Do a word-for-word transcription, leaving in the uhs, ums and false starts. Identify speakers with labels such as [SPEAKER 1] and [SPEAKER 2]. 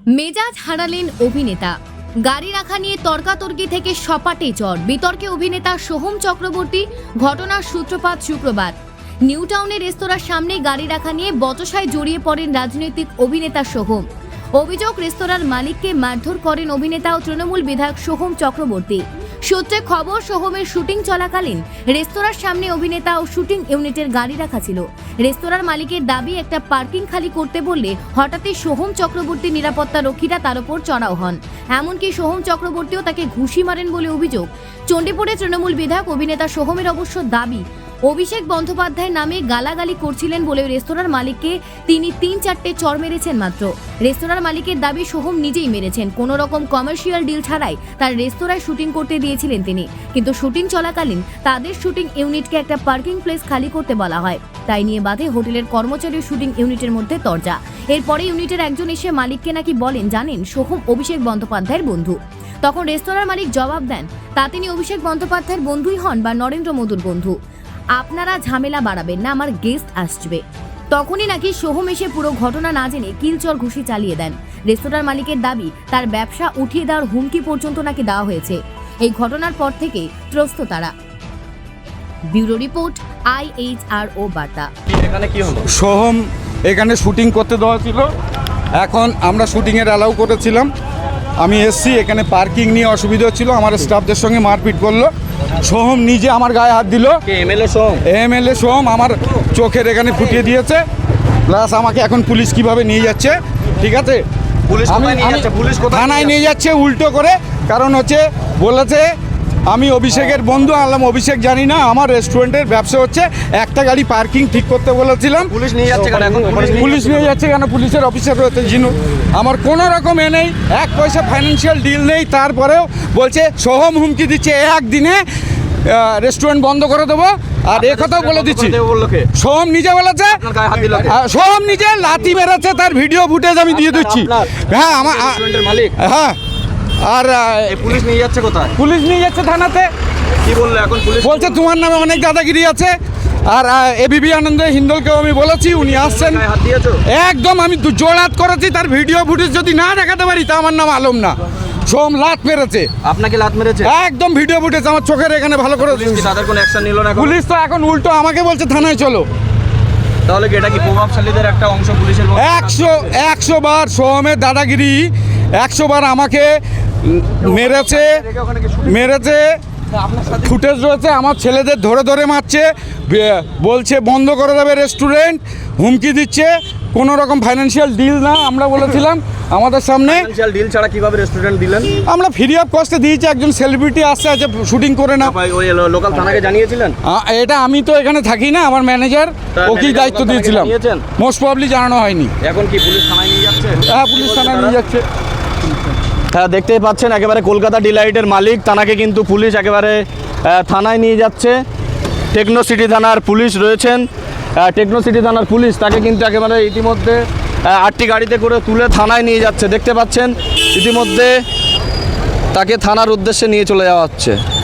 [SPEAKER 1] মেজাজ হারালেন অভিনেতা। গাড়ি রাখা নিয়ে তর্কাতর্কি থেকে সপাটে চর, বিতর্কে অভিনেতা সোহম চক্রবর্তী। ঘটনার সূত্রপাত শুক্রবার নিউ টাউনের রেস্তোরাঁর সামনে গাড়ি রাখা নিয়ে বচসায় জড়িয়ে পড়েন রাজনৈতিক অভিনেতা সোহম। অভিযোগ, রেস্তোরাঁর মালিককে মারধর করেন অভিনেতা ও তৃণমূল বিধায়ক সোহম চক্রবর্তী। সূত্রে খবর, সোহমের শুটিং চলাকালীন রেস্তোরাঁর সামনে অভিনেতা ও শুটিং ইউনিটের গাড়ি রাখা ছিল। রেস্তোরাঁর মালিকের দাবি, একটা পার্কিং খালি করতে বললে হঠাৎই সোহম চক্রবর্তী নিরাপত্তা রক্ষীরা তার উপর চড়াও হন। এমনকি সোহম চক্রবর্তীও তাকে ঘুষি মারেন বলে অভিযোগ। চণ্ডীপুরে তৃণমূল বিধায়ক অভিনেতা সোহমের অবশ্য দাবি, অভিষেক বন্দ্যোপাধ্যায়ের নামে গালাগালি করছিলেন বলে রেস্তোরাঁর মালিককে তিনি তিন চারটে চর মেরেছেন মাত্র। রেস্তোরাঁর মালিকের দাবি, সোহম নিজেই মেরেছেন। কোনো রকম কমার্শিয়াল ডিল ছাড়াই তার রেস্তোরাঁয় শুটিং করতে দিয়েছিলেন তিনি, কিন্তু শুটিং চলাকালীন তাদের শুটিং ইউনিটকে একটা পার্কিং প্লেস খালি করতে বলা হয়। তাই নিয়ে বাধে হোটেলের কর্মচারী শুটিং ইউনিটের মধ্যে তরজা। এরপরে ইউনিটের একজন এসে মালিককে নাকি বলেন, জানেন সোহম অভিষেক বন্দ্যোপাধ্যায়ের বন্ধু। তখন রেস্তোরাঁর মালিক জবাব দেন, তা তিনি অভিষেক বন্দ্যোপাধ্যায়ের বন্ধুই হন বা নরেন্দ্র মোদীর বন্ধু। আপনারা ঝামেলা বাড়াবেন না, আমার গেস্ট আসবে। তখনই নাকি সোহম এসে পুরো ঘটনা না জেনে কিলচর ঘুষি চালিয়ে দেন। রেস্তোরাঁর মালিকের দাবি, তার ব্যবসা উঠিয়ে দেওয়ার হুমকি পর্যন্ত নাকি দেওয়া হয়েছে। এই ঘটনার পর থেকে ত্রস্ত তারা। Bureau report, I H R O বার্তা।
[SPEAKER 2] এখানে কি হলো?
[SPEAKER 3] সোহম এখানে শুটিং করতে দেওয়া ছিল, এখন আমরা শুটিংয়ের অ্যালাউ করেছিলাম। আমি এসছি, এখানে পার্কিং নিয়ে অসুবিধা হচ্ছিল, আমার স্টাফদের সঙ্গে মারপিট করলো। সোহম নিজে আমার গায়ে হাত দিল।
[SPEAKER 2] এমএলএ সোহম
[SPEAKER 3] এমএলএ সোহম আমার চোখের এখানে ফুটিয়ে দিয়েছে, প্লাস আমাকে এখন পুলিশ কিভাবে নিয়ে যাচ্ছে, ঠিক আছে,
[SPEAKER 2] পুলিশ কোথায় নিয়ে যাচ্ছে? পুলিশ কোথায়
[SPEAKER 3] থানায় নিয়ে যাচ্ছে উল্টো করে। কারণ হচ্ছে বলেছে আমি অভিষেকের বন্ধু। আনলাম অভিষেক জানি না, আমার রেস্টুরেন্টের ব্যবসা হচ্ছে, একটা গাড়ি পার্কিং ঠিক করতে বলেছিলাম।
[SPEAKER 2] পুলিশ নিয়ে যাচ্ছে কেন এখন?
[SPEAKER 3] পুলিশ নিয়ে যাচ্ছে কেন? পুলিশের অফিসার রয়েছে জিনু, আমার কোনো রকম এ নেই, এক পয়সা ফাইন্যান্সিয়াল ডিল নেই। তারপরেও বলছে সোহম হুমকি দিচ্ছে একদিনে রেস্টুরেন্ট বন্ধ করে দেবো। আর এ কথাও বলে দিচ্ছি, সোহম নিজে বলেছে, সোহম নিজে লাথি মেরেছে, তার ভিডিও ফুটেজ আমি দিয়ে দিচ্ছি। হ্যাঁ আমার
[SPEAKER 2] মালিক।
[SPEAKER 3] হ্যাঁ। আর
[SPEAKER 2] পুলিশ নিয়ে যাচ্ছে কোথায়?
[SPEAKER 3] পুলিশ নিয়ে যাচ্ছে থানাতে।
[SPEAKER 2] কি বললো এখন পুলিশ?
[SPEAKER 3] বলছে তোমার নামে অনেক দাদাগিরি আছে। আর এবিপি আনন্দ হিন্দলকেও আমি বলেছি, উনি আসছেন। একদম আমি জোড়াত করেছি, তার ভিডিও ফুটেজ যদি না দেখাতে পারি তা আমার নাম আলম না। সোহম লাত মেরেছে।
[SPEAKER 2] আপনাকে লাত মেরেছে?
[SPEAKER 3] একদম ভিডিও ফুটেজ আমার চোখের এখানে ভালো করে।
[SPEAKER 2] তাদের কোনো অ্যাকশন নিল না?
[SPEAKER 3] পুলিশ তো এখন উল্টো আমাকে বলছে থানায় চলো।
[SPEAKER 2] তাহলে কি এটা কি প্রভাবশালীদের একটা অংশ পুলিশের?
[SPEAKER 3] একশো একশো বার সোহমের দাদাগিরি, একশো বার আমাকে মেরেছে মেরেছে ফুটেজ রয়েছে, আমার ছেলেদের ধরে ধরে মারছে, বলছে বন্ধ করে দেবে রেস্টুরেন্ট, হুমকি দিচ্ছে। কোনো রকম ফাইন্যান্সিয়াল ডিল না, আমরা বলেছিলাম আমাদের সামনে।
[SPEAKER 2] ফাইন্যান্সিয়াল ডিল ছাড়া কিভাবে রেস্টুরেন্ট দিলেন?
[SPEAKER 3] আমরা ফ্রি অফ কস্টে দিয়েছি, একজন সেলিব্রিটি আসছে, আছে শুটিং করে না।
[SPEAKER 2] ওই লোকাল থানাকে জানিয়েছিলেন?
[SPEAKER 3] এটা আমি তো এখানে থাকি না, আমার ম্যানেজার, ওকেই দায়িত্ব দিয়েছিলাম। মোস্ট প্রবলি জানানো হয়নি।
[SPEAKER 2] এখন কি পুলিশ থানায় নিয়ে যাচ্ছে?
[SPEAKER 3] হ্যাঁ, পুলিশ থানায় নিয়ে যাচ্ছে।
[SPEAKER 2] হ্যাঁ, দেখতেই পাচ্ছেন একেবারে কলকাতা ডিলাইটের মালিক, তানাকে কিন্তু পুলিশ একেবারে থানায় নিয়ে যাচ্ছে। টেকনো সিটি থানার পুলিশ রয়েছেন, টেকনো সিটি থানার পুলিশ তাকে কিন্তু একেবারে ইতিমধ্যে আটটি গাড়িতে করে তুলে থানায় নিয়ে যাচ্ছে। দেখতে পাচ্ছেন ইতিমধ্যে তাকে থানার উদ্দেশ্যে নিয়ে চলে যাওয়া হচ্ছে।